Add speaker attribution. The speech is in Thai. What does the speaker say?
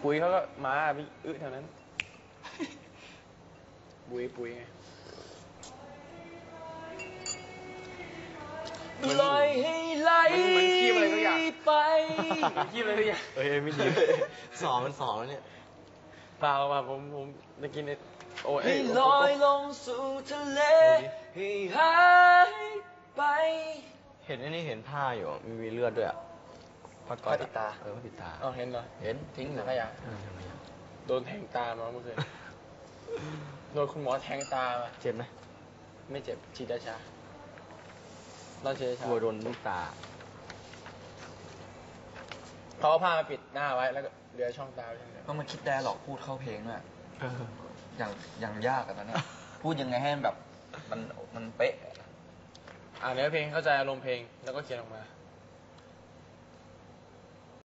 Speaker 1: ปุ๋ยเขาก็มาพี่แถวนั้นปุ๋ยไง
Speaker 2: ปล่อยให้ไหล
Speaker 1: มันขี้อะไรก็อยาก
Speaker 2: ไป
Speaker 1: ขี้อะไรก็อยาก
Speaker 3: ไม่ดีสองมันสองแล้วเนี่ย
Speaker 1: เปล่าผมจะกินไอ้โอ้ย
Speaker 2: ให้ลอยลงสู่ทะเลให้หายไป
Speaker 3: เห็นไอ้นี่เห็นผ้าอยู่มีเลือดด้วยอ่ะผ้าก๊อซ
Speaker 2: ผ้าปิดตา
Speaker 3: ผ้าปิดตา
Speaker 1: อ๋อเห็นเหรอ
Speaker 2: เห็นทิ้งหรือขยะ
Speaker 3: ทำไมอ่ะ
Speaker 1: โดนแทงตามาเมื่อคืนโดนคุณหมอแทงตามา
Speaker 3: เจ็บไหม
Speaker 1: ไม่เจ็บฉีดยาชาตอนฉีดยาชาก
Speaker 3: ลัวโดนลูกตา
Speaker 1: เขาเอาผ้ามาปิดหน้าไว้แล้วก็เหลือช่องตาไว้ช่องเดียว
Speaker 2: ต้องมาคิดได้หรอกพูดเข้าเพลงอ่ะอย่างยากอะตอนนี้พูดยังไงให้มันแบบมันเป๊ะ
Speaker 1: อ่านเนื้อเพลงเข้าใจอารมณ์เพลงแล้วก็เขียนออกมา